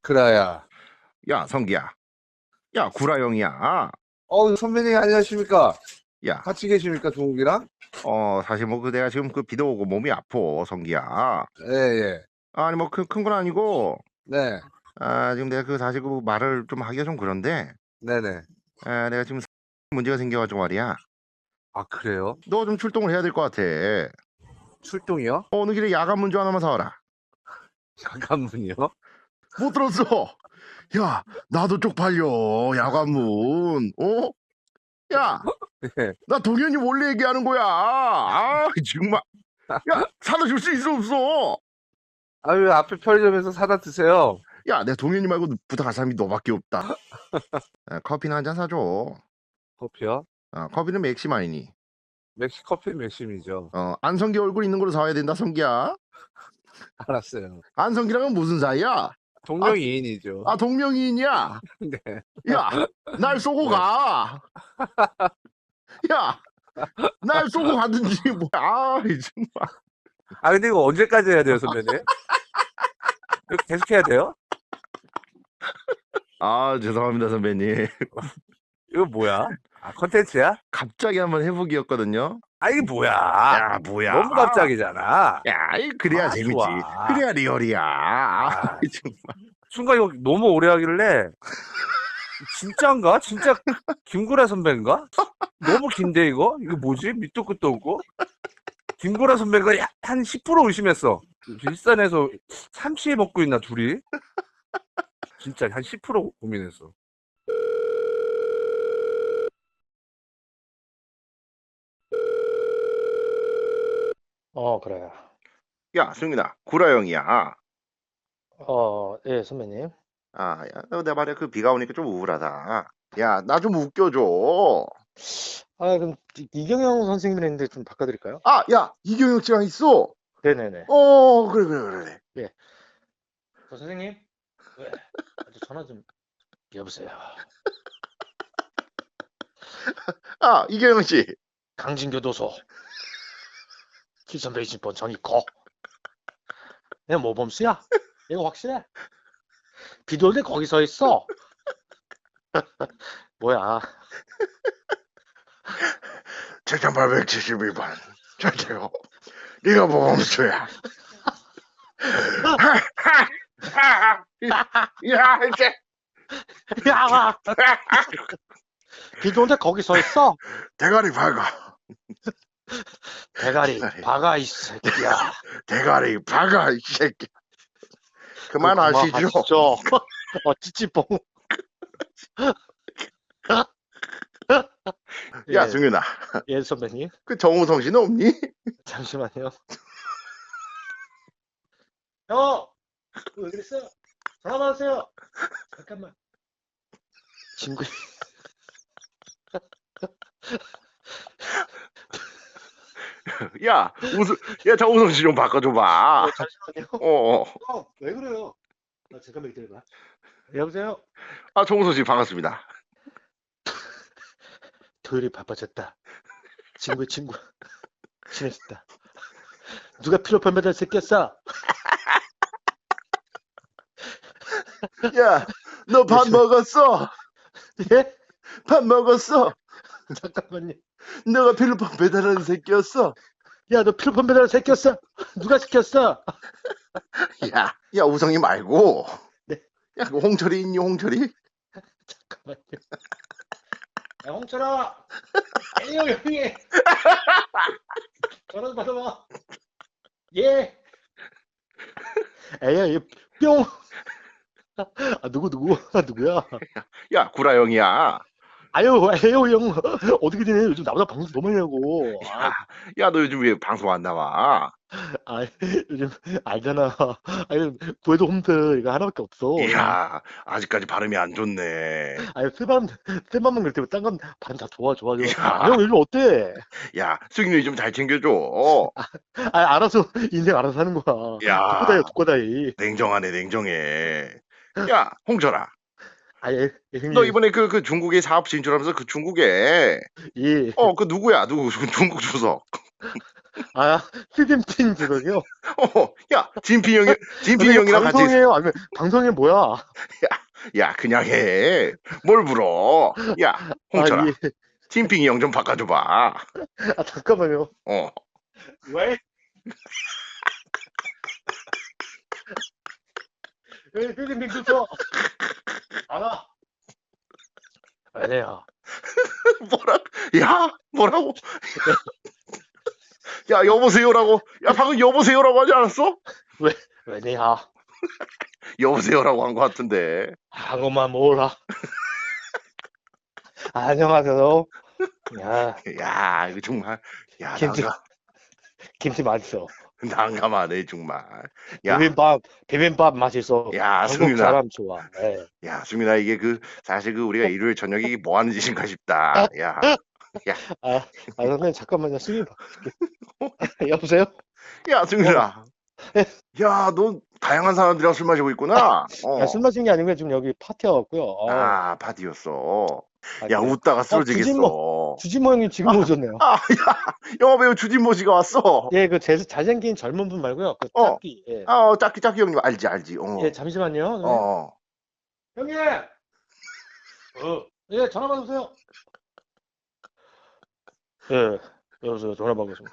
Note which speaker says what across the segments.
Speaker 1: 그라야.
Speaker 2: 야, 성기야. 야, 구라형이야.
Speaker 1: 선배님 안녕하십니까?
Speaker 2: 야,
Speaker 1: 같이 계십니까, 동욱이랑?
Speaker 2: 사실 뭐 내가 지금 비도 오고 몸이 아파, 성기야.
Speaker 1: 예, 예.
Speaker 2: 아니 뭐 큰 건 아니고,
Speaker 1: 네,
Speaker 2: 지금 내가 사실 말을 좀 하기가 좀 그런데,
Speaker 1: 네네.
Speaker 2: 내가 지금 문제가 생겨가지고 말이야.
Speaker 1: 아, 그래요?
Speaker 2: 너 좀 출동을 해야 될 것 같아.
Speaker 1: 출동이요?
Speaker 2: 어느 길에 야간 문조 하나만 사와라.
Speaker 1: 잠깐만요.
Speaker 2: 못 들었어. 야, 나도 쪽팔려. 야간문. 야,
Speaker 1: 예.
Speaker 2: 나 동현이 원래 얘기하는 거야. 정말. 야, 사다 줄 수 있어 없어?
Speaker 1: 아유, 앞에 편의점에서 사다 드세요.
Speaker 2: 야, 내 동현이 말고 부탁할 사람이 너밖에 없다. 커피나 한 잔 사줘.
Speaker 1: 커피요?
Speaker 2: 커피는 맥심 아니니?
Speaker 1: 커피 맥심이죠.
Speaker 2: 안성기 얼굴 있는 걸로 사와야 된다, 성기야.
Speaker 1: 알았어요.
Speaker 2: 안성기랑은 무슨 사이야?
Speaker 1: 동명이인이죠.
Speaker 2: 동명이인이야.
Speaker 1: 네.
Speaker 2: 야, 날 쏘고
Speaker 1: 네.
Speaker 2: 가. 야, 날 쏘고 가든지 뭐야. 정말.
Speaker 1: 근데 이거 언제까지 해야 돼요, 선배님? 이거 계속 해야 돼요?
Speaker 2: 죄송합니다, 선배님.
Speaker 1: 이거 뭐야? 컨텐츠야?
Speaker 2: 갑자기 한번 해보기였거든요.
Speaker 1: 이게 뭐야?
Speaker 2: 야, 뭐야.
Speaker 1: 너무 갑자기잖아.
Speaker 2: 야, 그래야 재밌지.
Speaker 1: 좋아.
Speaker 2: 그래야 리얼이야. 정말.
Speaker 1: 순간 이거 너무 오래 하길래 진짜인가? 진짜 김구라 선배인가? 너무 긴데 이거? 이거 뭐지? 밑도 끝도 없고 김구라 선배가 한 10% 의심했어. 일산에서 삼치 먹고 있나 둘이? 진짜 한 10% 고민했어.
Speaker 3: 그래요.
Speaker 2: 야, 승민아, 구라형이야.
Speaker 3: 예, 선배님.
Speaker 2: 야, 내 말에 비가 오니까 좀 우울하다. 야, 나 좀 웃겨줘.
Speaker 3: 그럼 이경영 선생님이랑 있는데 좀 바꿔드릴까요?
Speaker 2: 야, 이경영 씨랑 있어.
Speaker 3: 네네네.
Speaker 2: 그래.
Speaker 3: 선생님? 네. 전화 좀, 여보세요.
Speaker 2: 이경영 씨.
Speaker 3: 강진교도소. 7320번 정입고. 내가 모범수야? 이거 확실해? 비도 올 때 거기 서 있어. 뭐야.
Speaker 2: 7872번. 저기요. 네가 모범수야. 야, 이제.
Speaker 3: 야! 비도 올 때 거기 서 있어.
Speaker 2: 대가리 박아.
Speaker 3: 대가리 박아, 이 새끼야.
Speaker 2: 대가리 박아, 이 새끼. 그만하시죠.
Speaker 3: 찌찌뽕.
Speaker 2: 야,
Speaker 3: 예,
Speaker 2: 승윤아.
Speaker 3: 예, 선배님.
Speaker 2: 정우성 씨는 없니?
Speaker 3: 잠시만요. 형! 왜 그랬어요? 전화 받으세요. 잠깐만. 친구.
Speaker 2: 야, 정우성 씨 좀 바꿔줘봐.
Speaker 3: 잠시만요. 형, 왜 그래요? 잠깐만 기다려봐. 여보세요?
Speaker 2: 정우성 씨 반갑습니다.
Speaker 3: 토요일이 바빠졌다. 친구. 친해졌다. 누가 필로폰 매달 새끼였어?
Speaker 2: 야, 너 밥 먹었어?
Speaker 3: 예?
Speaker 2: 밥 먹었어?
Speaker 3: 잠깐만요.
Speaker 2: 너가 필로폰 배달하는 새끼였어?
Speaker 3: 야, 너 필로폰 매달 새끼였어? 누가 시켰어?
Speaker 2: 야, 우성이 말고.
Speaker 3: 네.
Speaker 2: 야, 홍철이 있니, 홍철이?
Speaker 3: 잠깐만요. 야, 홍철아! 에이요, 형이! 전화 좀 받아봐. 예! 에이야, 뿅! 누구야?
Speaker 2: 야, 구라형이야.
Speaker 3: 에이요, 형. 어떻게 되네? 요즘 나보다 방송 너무 많이 하고.
Speaker 2: 야, 너 요즘 왜 방송 안 나와?
Speaker 3: 요즘, 알잖아. 구해도 홈트 이거 하나밖에 없어.
Speaker 2: 이야, 아직까지 발음이 안 좋네.
Speaker 3: 쓸만만 그럴 때고, 딴건 발음 다 좋아.
Speaker 2: 야.
Speaker 3: 형, 요즘 어때?
Speaker 2: 야, 승윤이 좀 잘 챙겨줘.
Speaker 3: 알아서, 인생 알아서 하는 거야.
Speaker 2: 야.
Speaker 3: 독고다이.
Speaker 2: 냉정해. 야, 홍철아.
Speaker 3: 형님.
Speaker 2: 너 이번에 그 중국에 사업 진출하면서 그 중국에
Speaker 3: 예.
Speaker 2: 그 누구야? 중국 주석.
Speaker 3: 아, 휴대폰 주걱이요?
Speaker 2: 야, 진핑 형이랑 같이.
Speaker 3: 방송이에요? 아니면 방송이 뭐야?
Speaker 2: 야, 그냥 해. 뭘 물어. 야, 홍철아.
Speaker 3: 아, 예.
Speaker 2: 진핑이 형 좀 바꿔줘봐.
Speaker 3: 아, 잠깐만요.
Speaker 2: 어.
Speaker 3: 왜? 왜 휴대폰 줬어? 안 와. 아니야.
Speaker 2: 뭐라고? 야, 여보세요라고. 야, 방금 여보세요라고 하지 않았어?
Speaker 3: 왜냐?
Speaker 2: 여보세요라고 한 것 같은데.
Speaker 3: 한국만 몰라. 안녕하세요.
Speaker 2: 야, 이거 정말. 야,
Speaker 3: 김치 맛있어.
Speaker 2: 난감하네, 정말. 야,
Speaker 3: 비빔밥 맛있어.
Speaker 2: 야,
Speaker 3: 한국
Speaker 2: 승윤아.
Speaker 3: 사람 좋아. 예.
Speaker 2: 야, 승윤아, 이게 사실 우리가 일요일 저녁에 이게 뭐 하는 짓인가 싶다. 야,
Speaker 3: 선생님, 잠깐만요. 수미 바꿀게. 여보세요?
Speaker 2: 야, 승윤아. 야, 너 다양한 사람들이랑 술 마시고 있구나.
Speaker 3: 술 마신 게 아니고 지금 여기 파티가 왔고요.
Speaker 2: 파티였어. 야,
Speaker 3: 그래요?
Speaker 2: 웃다가 쓰러지겠어.
Speaker 3: 주진모 형님 지금 오셨네요.
Speaker 2: 영화배우 주진모 씨가 왔어.
Speaker 3: 예, 그 잘생긴 젊은 분 말고요. 그 짝기. 예.
Speaker 2: 짝기 형님 알지.
Speaker 3: 예, 잠시만요. 형님! 예, 전화 받으세요. 예, 여보세요. 전화 받겠습니다.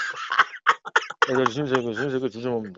Speaker 3: 저 신세계 주진모입니다.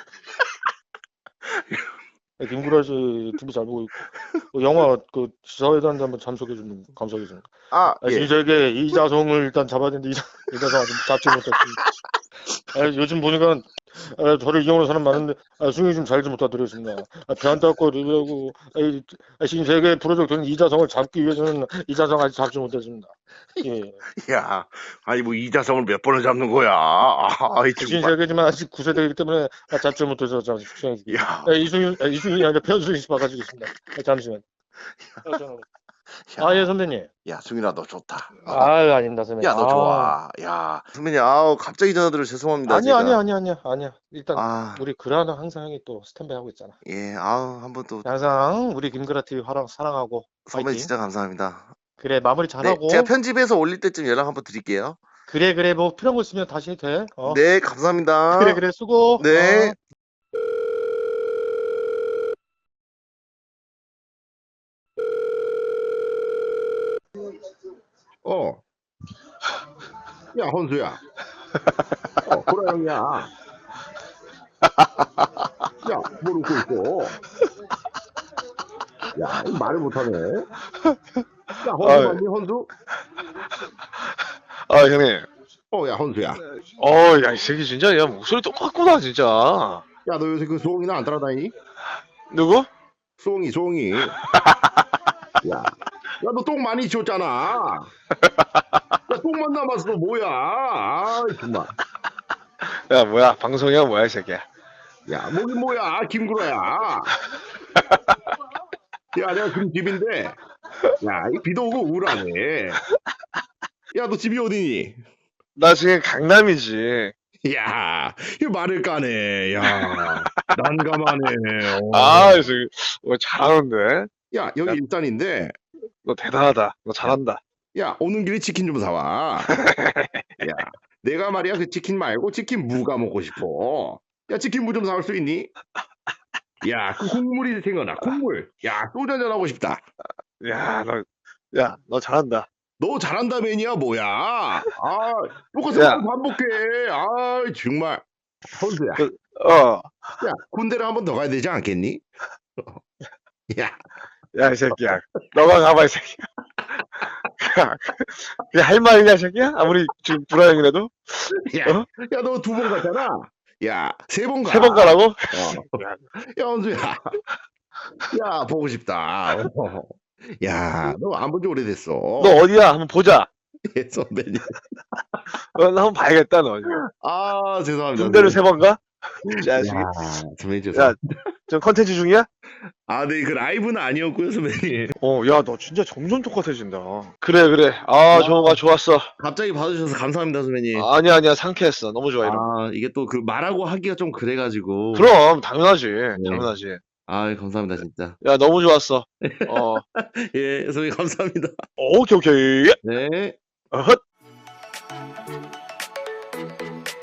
Speaker 3: 김구라 씨 TV 잘 보고 있고, 영화 그 시사회담도 한번 참석해 주는 감사하겠습니다.
Speaker 2: 예.
Speaker 3: 신세계 이자성을 일단 잡아야 되는데 이자성 아직 잡지 못했습니다. 요즘 보니까 저를 이용하는 사람 많은데 승희 좀 잘 좀 부탁드리겠습니다. 배 안 닦고 리뷰하고 신세계 프로젝트는 이자성을 잡기 위해서는 이자성 아직 잡지 못했습니다. 예.
Speaker 2: 야, 아니 뭐 이자성을 몇 번을 잡는 거야. 정말.
Speaker 3: 신세계지만 아직 9세대이기 때문에 잡지 못해서 잠시 수행했습니다.
Speaker 2: 야,
Speaker 3: 이승이 아니라 편승희 씨 바꿔주겠습니다. 잠시만. 예, 선배님.
Speaker 2: 야, 승윤아 너 좋다.
Speaker 3: 아닙니다, 선배님.
Speaker 2: 야, 너 좋아. 야, 선배님, 갑자기 전화드려 죄송합니다.
Speaker 3: 아니야. 일단 우리 그라는 항상 형이 또 스탠바이 하고 있잖아.
Speaker 2: 예, 한번 또
Speaker 3: 항상 우리 김그라 TV 사랑하고
Speaker 2: 선배님
Speaker 3: 파이팅.
Speaker 2: 진짜 감사합니다.
Speaker 3: 그래, 마무리 잘하고.
Speaker 2: 제가 편집해서 올릴 때쯤 연락 한번 드릴게요.
Speaker 3: 그래, 뭐 필요한 거 있으면 다시 해도 돼.
Speaker 2: 네, 감사합니다.
Speaker 3: 그래, 수고.
Speaker 2: 네. 야, 헌수야. 보라 형이야. 야, 뭘 웃고 있어? 야, 말을 못하네. 야, 헌수 맞니, 헌수?
Speaker 4: 형님.
Speaker 2: 야, 헌수야.
Speaker 4: 야, 이 새끼 진짜, 야, 목소리 똑같구나, 진짜.
Speaker 2: 야, 너 요새 그 수홍이나 안 따라다니니?
Speaker 4: 누구?
Speaker 2: 수홍이. 야, 너 똥 많이 치웠잖아. 야, 똥만 남았어, 뭐야. 정말.
Speaker 4: 야, 뭐야, 방송이야, 뭐야, 이 새끼야.
Speaker 2: 야, 뭐긴 뭐야, 김구라야. 야, 내가 지금 집인데, 야, 이 비도 오고 우울하네. 야, 너 집이 어디니?
Speaker 4: 나 지금 강남이지.
Speaker 2: 야, 이 말을 까네. 야, 난감하네.
Speaker 4: 이 새끼, 잘하는데?
Speaker 2: 야, 여기 일단인데,
Speaker 4: 너 대단하다. 너 잘한다.
Speaker 2: 야, 오는 길에 치킨 좀 사와. 야, 내가 말이야, 그 치킨 말고 치킨 무가 먹고 싶어. 야, 치킨 무 좀 사올 수 있니? 야, 그 국물이 생각나, 국물. 야, 소주 한잔 하고 싶다.
Speaker 4: 너 잘한다.
Speaker 2: 너 잘한다면이야, 뭐야? 똑같은
Speaker 4: 야.
Speaker 2: 말 반복해. 정말. 헌수야. 야, 군대를 한 번 더 가야 되지 않겠니? 야,
Speaker 4: 야, 이 새끼야. 너가 가봐, 이 새끼야. 그게 할 말이냐, 이 새끼야? 아무리 지금 불화형이라도?
Speaker 2: 야, 너 2번 갔잖아. 야, 3번 가.
Speaker 4: 3번 가라고?
Speaker 2: 야, 헌수야. 야, 보고 싶다. 야, 너 안 본 지 오래됐어.
Speaker 4: 너 어디야? 한번 보자.
Speaker 2: 예, 선배님.
Speaker 4: 나 한번 봐야겠다, 너.
Speaker 2: 죄송합니다.
Speaker 4: 군대를 3번 가?
Speaker 2: 야, 선배님
Speaker 4: 야,
Speaker 2: 죄송합니다.
Speaker 4: 지금 컨텐츠 중이야?
Speaker 2: 네, 그 라이브는 아니었고요, 선배님.
Speaker 4: 야, 너 진짜 점점 똑같아진다. 그래. 정호가 좋았어.
Speaker 2: 갑자기 봐주셔서 감사합니다, 선배님.
Speaker 4: 아니야, 상쾌했어. 너무 좋아, 이런 거.
Speaker 2: 이게 또 그 말하고 하기가 좀 그래가지고.
Speaker 4: 그럼, 당연하지. 당연하지.
Speaker 2: 감사합니다, 진짜.
Speaker 4: 야, 너무 좋았어.
Speaker 2: 예, 선배님 감사합니다.
Speaker 4: 오케이.
Speaker 2: 네.
Speaker 4: 어헛.